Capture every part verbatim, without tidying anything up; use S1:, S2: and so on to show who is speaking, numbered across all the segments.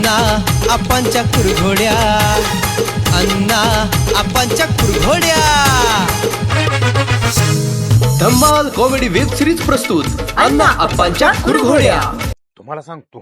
S1: अण्णा आपांच्या कुरघोड्या, अण्णा आपांच्या कुरघोड्या. धम्माल कॉमेडी वेब सिरीज प्रस्तुत अण्णा आपांच्या कुरघोड्या.
S2: तुम्हाला सांगतो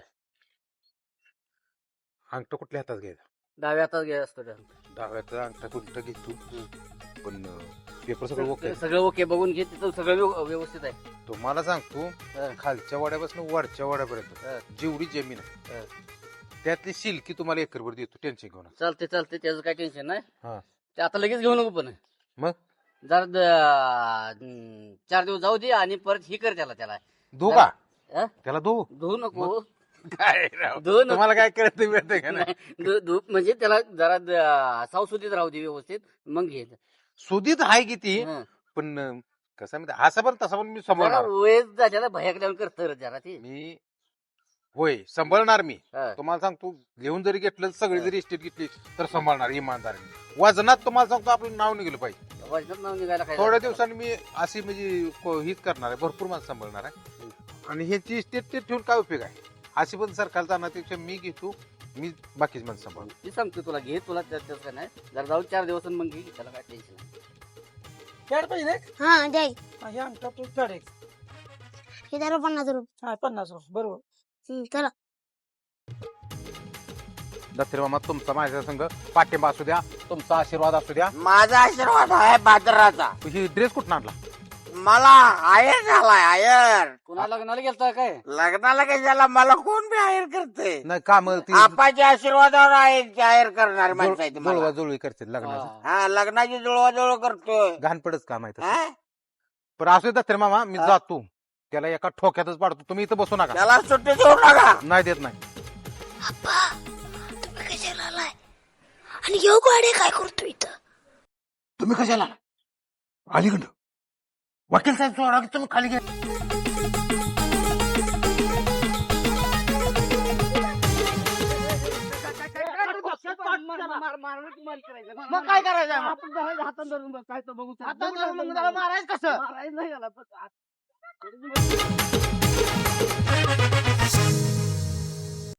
S2: अंगठा कुठल्या हातात घ्यायचा?
S3: डाव्या हातात घ्यायचा असतो त्या.
S2: डाव्याचा अंगठा कुठं घेतो पण पेपर सगळं ओके
S3: सगळं ओके बघून घे, तिथं सगळं व्यव- व्यवस्थित आहे.
S2: तुम्हाला सांगतो
S3: हं.
S2: खालच्या वाड्यापासून वरच्या
S3: हं.
S2: वाड्यापर्यंत जेवढी जमीन आहे
S3: हं.
S2: त्यातली शिल्की तुम्हाला एकरभर देतो, टेन्शन घेऊन.
S3: चालते चालते, त्याचं काय टेन्शन नाही.
S2: हा
S3: ते आता लगेच घेऊ नको, पण
S2: मग
S3: जरा द- हम्म, चार दिवस जाऊ दे आणि परत ही कर त्याला त्याला
S2: धो का
S3: हं?
S2: त्याला धो
S3: धुवू नको.
S2: काय राव,
S3: धुवू नको.
S2: तुम्हाला काय करत मिळतं का नाही?
S3: धु- धु- म्हणजे त्याला जरा द- सावसुदीत राहू दे व्यवस्थित, मग घे.
S2: सुधीत आहे किती
S3: हं.
S2: पण कसं आहे माहिती, असं पण तसं पण मी
S3: जरा
S2: सांभाळणार.
S3: वयस त्याला भयाक लावून करत जरा ते.
S2: मी होय सांभाळणार मी.
S3: हं.
S2: तुम्हाला सांगतो घेऊन जरी घेतलं सगळी जरी इस्टेट घेतली तर सांभाळणार इमानदारीने. वजनात तुम्हाला सांगतो आपलं नाव निघलं पाहिजे.
S3: वजनात नाव निघायला काय
S2: थोड्या
S3: झालं?
S2: दिवसांनी मी अशी म्हणजे को- हीच करणार आहे, भरपूर माणसं सांभाळणार आहे. आणि ह्याची इस्टेट ते ठेवून काय उपयोग आहे? अशी पण सरकार जाण्यापेक्षा मी घेतो, मी बाकीच माणसं सांभाळतो.
S3: मी सांगतो तुला, घे तुला त्या- त्याचं काय नाही. जरा जाऊन चार दिवस मग घे, त्याला काय टेन्शन नाही.
S4: खेळ पाहिजे
S5: हा द्याय
S4: हे अंगठा तू खेळ एक.
S5: हे द्या पन्नास रुपये.
S4: हा पन्नास रुपये बरोबर.
S5: हम्म, चला.
S2: दत्तरे मामा तुमचा माझ्या संघ पाठिंबा असू द्या, तुमचा आशीर्वाद असू द्या.
S6: माझा आशीर्वाद आहे बाजाराचा.
S2: ही ड्रेस कुठून आणला?
S6: मला आयर झालाय आयर.
S3: कुणा लग्नाला गेलता काय?
S6: लग्नाला कशाला, मला कोण बी आयर करते.
S2: नाही काम ती
S6: आपाच्या आशीर्वादावर आयर आयर करणार माणसं आहे
S2: जुळवा
S6: तुम्हाला.
S2: जुळवी करते लग्नाचं.
S3: हा.
S6: हा लग्नाची जुळवाजुळव करतोय.
S2: घाण पडच काम आहे तसं.
S6: हा?
S2: पण असू दे दत्तरे मामा, मी जातो त्याला एका ठोक्यातच पाडतो. तुम्ही इथं बसू नका.
S6: त्याला सुट्टी देऊ नका.
S2: नाही देत नाही.
S5: अप्पा तुम्ही कशाला आलाय आणि योग वाडे काय करतो इथं?
S2: तुम्ही कशाला अलीकडं वकील साहेब सोडा की तुम्ही खाली घ्या.
S4: मग काय करायचं आहे? आपण धरायचं हातात धरून बघ, काय तर बघू. हातात धरून मग त्याला मारायचं कसं? मारायचं नाही याला.